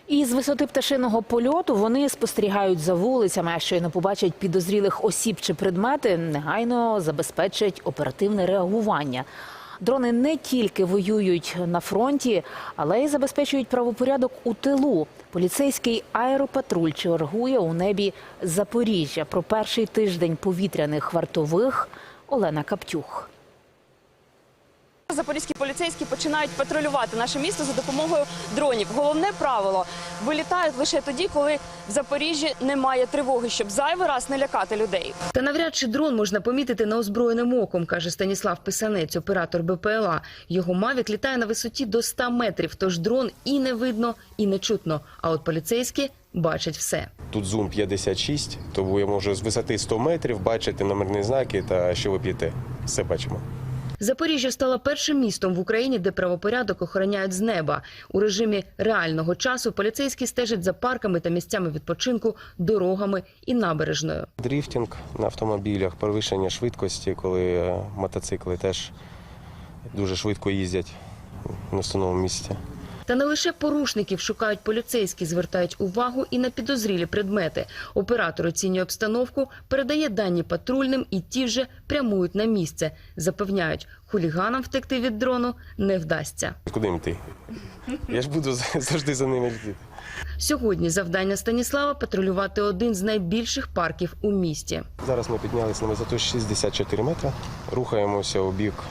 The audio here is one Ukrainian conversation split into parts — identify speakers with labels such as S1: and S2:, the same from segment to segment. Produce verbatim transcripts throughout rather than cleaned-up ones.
S1: І з висоти пташиного польоту вони спостерігають за вулицями, а щойно побачать підозрілих осіб чи предмети, негайно забезпечать оперативне реагування. Дрони не тільки воюють на фронті, але й забезпечують правопорядок у тилу. Поліцейський аеропатруль чергує у небі Запоріжжя. Про перший тиждень повітряних вартових Олена Каптюх.
S2: Запорізькі поліцейські починають патрулювати наше місто за допомогою дронів. Головне правило – вилітають лише тоді, коли в Запоріжжі немає тривоги, щоб зайвий раз не лякати людей.
S3: Та навряд чи дрон можна помітити неозброєним оком, каже Станіслав Писанець, оператор Б П Л А. Його «Мавік» літає на висоті до ста метрів, тож дрон і не видно, і не чутно. А от поліцейські бачать все.
S4: Тут зум п'ятдесят шість, тому я можу з висоти сто метрів бачити номерні знаки та що ви п'єте. Все бачимо.
S3: Запоріжжя стало першим містом в Україні, де правопорядок охороняють з неба. У режимі реального часу поліцейські стежать за парками та місцями відпочинку, дорогами і набережною.
S4: Дріфтинг на автомобілях, перевищення швидкості, коли мотоцикли теж дуже швидко їздять на встановленому місці.
S3: Та не лише порушників шукають поліцейські, звертають увагу і на підозрілі предмети. Оператор оцінює обстановку, передає дані патрульним і ті вже прямують на місце. Запевняють, хуліганам втекти від дрону не вдасться.
S4: Куди їм йти? Я ж буду завжди за ними йти.
S3: Сьогодні завдання Станіслава – патрулювати один з найбільших парків у місті.
S4: Зараз ми піднялися на висоту шістдесят чотири метри, рухаємося у бік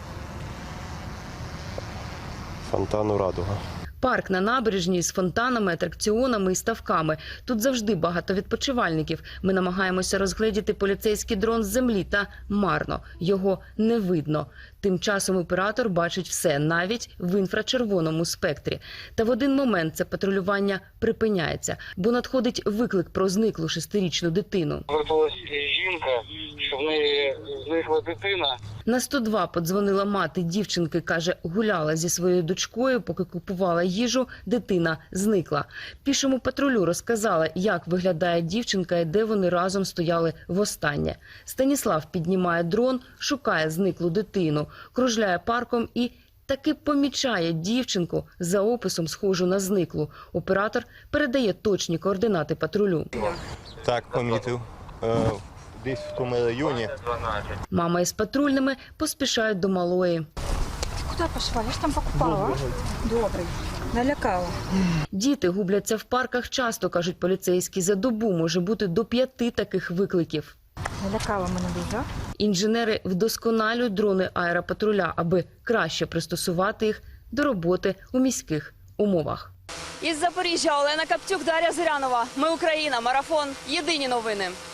S4: фонтану «Радуга».
S3: Парк на набережній з фонтанами, атракціонами і ставками. Тут завжди багато відпочивальників. Ми намагаємося розгледіти поліцейський дрон з землі, та марно. Його не видно. Тим часом оператор бачить все, навіть в інфрачервоному спектрі. Та в один момент це патрулювання припиняється, бо надходить виклик про зниклу шестирічну дитину.
S5: Виявилась жінка, що в неї зникла дитина.
S3: На сто два подзвонила мати дівчинки, каже, гуляла зі своєю дочкою, поки купувала їжу, дитина зникла. Пішому патрулю розказала, як виглядає дівчинка і де вони разом стояли востаннє. Станіслав піднімає дрон, шукає зниклу дитину, кружляє парком і таки помічає дівчинку за описом, схожу на зниклу. Оператор передає точні координати патрулю.
S6: Так, помітив. Е, Десь в тому районі.
S3: Мама із патрульними поспішають до малої.
S7: Куди пішла? Я ж там покупала. Добрий. Налякала.
S3: Діти губляться в парках часто, кажуть поліцейські. За добу може бути до п'яти таких викликів.
S7: Налякала мене дуже.
S3: Інженери вдосконалюють дрони аеропатруля, аби краще пристосувати їх до роботи у міських умовах.
S2: Із Запоріжжя Олена Каптюк, Дар'я Зирянова. Ми Україна. Марафон. Єдині новини.